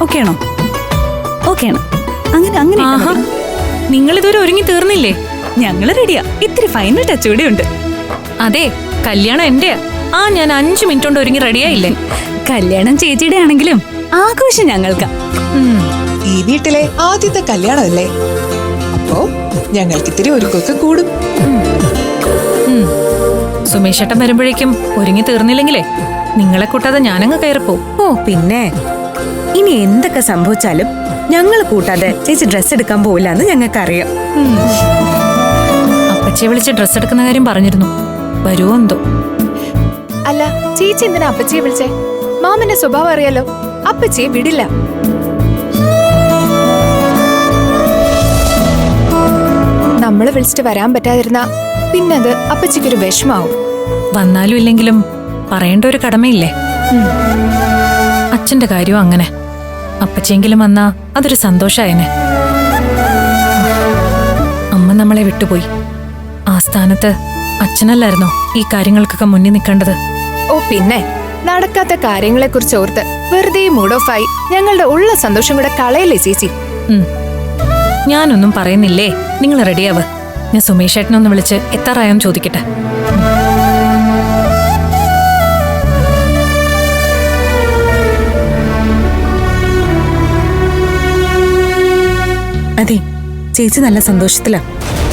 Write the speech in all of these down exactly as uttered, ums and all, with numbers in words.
Okay ആണോ? Okay ആണ്. അങ്ങനെ അങ്ങനെ നിങ്ങൾ ഇതുവരെ ഒരുങ്ങി തീർന്നില്ലേ? ഞങ്ങള് റെഡിയാ. ഇത്തിരി ഫൈനൽ ടച്ച് കൂടെ ഉണ്ട്. അതെ, കല്യാണം എന്റെയാ. ആ ഞാൻ അഞ്ചു മിനിറ്റ് കൊണ്ട് ഒരുങ്ങി റെഡിയായില്ലേ? കല്യാണം ചേച്ചിയുടെ ആണെങ്കിലും ആഘോഷം ഞങ്ങൾക്കാ. ഈ വീട്ടിലെ ആദ്യത്തെ കല്യാണമല്ലേ, അപ്പോ ഞങ്ങൾക്ക് ഇത്തിരി ഒരുക്കൊക്കെ കൂടും. സുമേഷ് ഏട്ടൻ വരുമ്പോഴേക്കും ഒരുങ്ങി തീർന്നില്ലെങ്കിലേ നിങ്ങളെ കൂട്ടാതെ ഞാനങ്ങ് കയറിപ്പോ. ഓ പിന്നെ ഇനി എന്തൊക്കെ സംഭവിച്ചാലും ഞങ്ങൾ കൂട്ടാതെ ചേച്ചി ഡ്രസ് എടുക്കാൻ പോവില്ല എന്ന് ഞങ്ങൾക്കറിയാം. അപ്പച്ചിയെ വിളിച്ച് ഡ്രസ് എടുക്കുന്ന കാര്യം പറഞ്ഞിരുന്നു. വരുമോ എന്തോ. അല്ല, ചേച്ചി എന്തിനാ അപ്പച്ചിയെ വിളിച്ചേ? മാമന്റെ സ്വഭാവം അറിയാലോ, അപ്പച്ചിയെ വിടില്ല. നമ്മള് വിളിച്ചിട്ട് വരാൻ പറ്റാതിരുന്ന പിന്നത് അപ്പച്ചിക്കൊരു വിഷമാവും. വന്നാലും ഇല്ലെങ്കിലും പറയേണ്ട ഒരു കടമയില്ലേ? അച്ഛന്റെ കാര്യവും അങ്ങനെ. അപ്പച്ചിയെങ്കിലും വന്നാ അതൊരു സന്തോഷായനെ. അമ്മ നമ്മളെ വിട്ടുപോയി. ആ സ്ഥാനത്ത് അച്ഛനല്ലായിരുന്നോ ഈ കാര്യങ്ങൾക്കൊക്കെ മുന്നിൽ നിൽക്കേണ്ടത്? ഓ പിന്നെ, നടക്കാത്ത കാര്യങ്ങളെ കുറിച്ച് ഓർത്ത് വെറുതെ മൂഡ് ഓഫ് ആയി ഞങ്ങളുടെ ഉള്ള സന്തോഷം കൂടെ കളയല്ലേ ചേച്ചി? ഞാനൊന്നും പറയുന്നില്ലേ, നിങ്ങൾ റെഡിയാവ്. ഞാൻ സുമേഷ് ഏട്ടനൊന്ന് വിളിച്ച് എത്താറായോന്ന് ചോദിക്കട്ടെ. അതെ, ചേച്ചി നല്ല സന്തോഷത്തിലാ.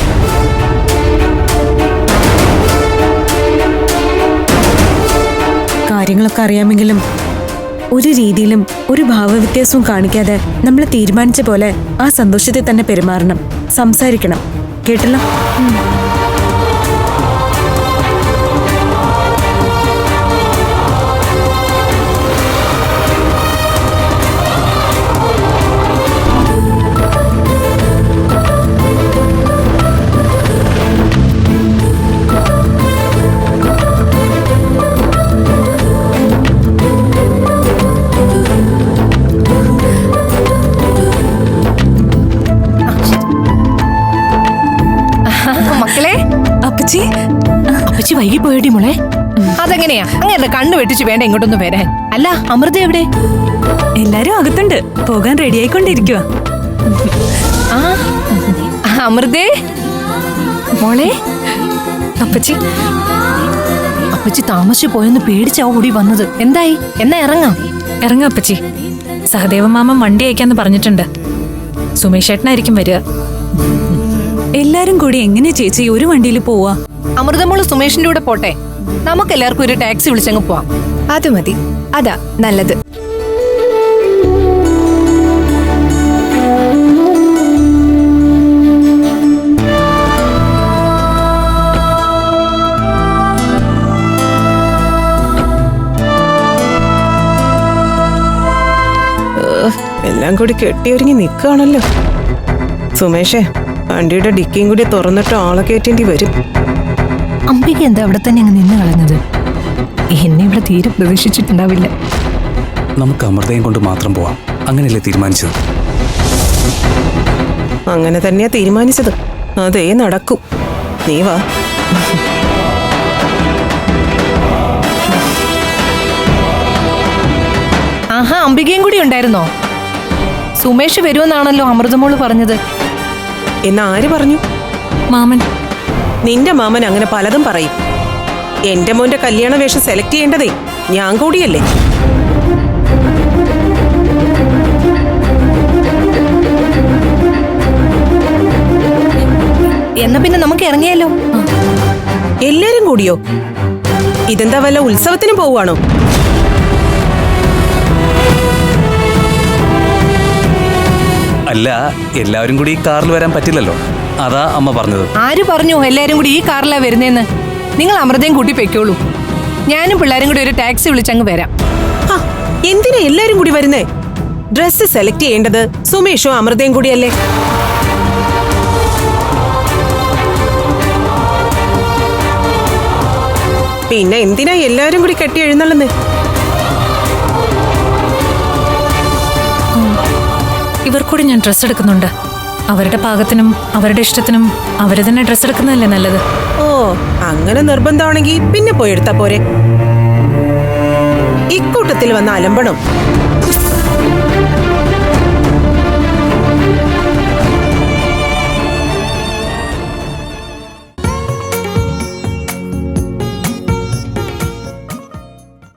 കാര്യങ്ങളൊക്കെ അറിയാമെങ്കിലും ഒരു രീതിയിലും ഒരു ഭാവവ്യത്യാസവും കാണിക്കാതെ നമ്മൾ തീരുമാനിച്ച പോലെ ആ സന്തോഷത്തെ തന്നെ പെരുമാറണം, സംസാരിക്കണം. കേട്ടല്ലോ? അപ്പച്ചി, അപ്പച്ചി വൈകി പോയടി മോളെ. അതെങ്ങനെയാ അങ്ങനെ കണ്ണു വെട്ടിച്ച് വേണ്ട ഇങ്ങോട്ടൊന്ന് വരാൻ? അല്ല, അമൃത എവിടെ? എല്ലാരും അകത്തുണ്ട്, പോകാൻ റെഡി ആയിക്കൊണ്ടിരിക്കുക. അമൃതേ മോളെ. അപ്പച്ചി അപ്പച്ചി താമസിച്ചു പോയെന്ന് പേടിച്ചാ ഓടി വന്നത്. എന്തായി? എന്നാ ഇറങ്ങാം. ഇറങ്ങാം അപ്പച്ചി. സഹദേവ മാമൻ വണ്ടി അയക്കാന്ന് പറഞ്ഞിട്ടുണ്ട്. സുമേഷ് ഏട്ടനായിരിക്കും വരിക. എല്ലാരും കൂടി എങ്ങനെ ചേച്ചി ഒരു വണ്ടിയിൽ പോവാ? അമൃതമോള് സുമേഷിന്റെ കൂടെ പോട്ടെ. നമുക്ക് എല്ലാവർക്കും ഒരു ടാക്സി വിളിച്ചങ്ങ് പോവാം. അത് മതി, അതാ നല്ലത്. എല്ലാം കൂടി കെട്ടിയൊരുങ്ങി നിൽക്കുകയാണല്ലോ. സുമേഷേ, വണ്ടിയുടെ ഡിക്കിയും കൂടി തുറന്നിട്ട് ആളെ കയറ്റേണ്ടി വരും. അംബിക എന്താ അവിടെ തന്നെ അങ്ങ് നിന്ന് കളഞ്ഞത്? എന്നെ ഇവിടെ തീരെ പ്രതീക്ഷിച്ചിട്ടുണ്ടാവില്ല. നമുക്ക് അമൃതയും കൊണ്ട് മാത്രം പോവാം, അങ്ങനെയല്ലേ തീരുമാനിച്ചത്? അങ്ങനെ തന്നെയാ തീരുമാനിച്ചത്. അതേ നടക്കും. നീ വാ. ആഹാ, അംബികയും കൂടി ഉണ്ടായിരുന്നോ? സുമേഷ് വരുമെന്നാണല്ലോ അമൃതമോള് പറഞ്ഞത്. എന്ന് ആര് പറഞ്ഞു? മാമൻ. നിന്റെ മാമൻ അങ്ങനെ പലതും പറയും. എന്റെ മോന്റെ കല്യാണ വേഷം സെലക്ട് ചെയ്യേണ്ടതേ ഞാൻ കൂടിയല്ലേ. എന്നാ പിന്നെ നമുക്ക് ഇറങ്ങിയാലോ? എല്ലാരും കൂടിയോ? ഇതെന്താ വല്ല ഉത്സവത്തിന് പോവാണോ? അല്ല, എല്ലാവരും കൂടി ഈ കാറിൽ വരാൻ പറ്റില്ലല്ലോ, അതാ അമ്മ പറഞ്ഞത്. ആര് പറഞ്ഞു എല്ലാരും കൂടി ഈ കാറിലാ വരുന്നേന്ന്? നിങ്ങൾ അമൃതയും കൂട്ടി പൊയ്ക്കോളൂ. ഞാനും പിള്ളേരും കൂടി ഒരു ടാക്സി വിളിച്ചങ്ങ് വരാം. എന്തിനാ എല്ലാരും കൂടി വരുന്നേ? ഡ്രസ് സെലക്ട് ചെയ്യേണ്ടത് സുമേഷും അമൃതയും കൂടിയല്ലേ. പിന്നെ എന്തിനാ എല്ലാരും കൂടി കെട്ടി എഴുന്നള്ളുന്നേ? ഇവർക്കൂടി ഞാൻ ഡ്രസ്സ് എടുക്കുന്നുണ്ട്. അവരുടെ പാകത്തിനും അവരുടെ ഇഷ്ടത്തിനും അവര് തന്നെ ഡ്രസ്സ് എടുക്കുന്നതല്ലേ നല്ലത്. ഓ, അങ്ങനെ നിർബന്ധമാണെങ്കിൽ പിന്നെ പോയി എടുത്താ പോരെ. ഇക്കൂട്ടത്തിൽ വന്ന അലമ്പണം.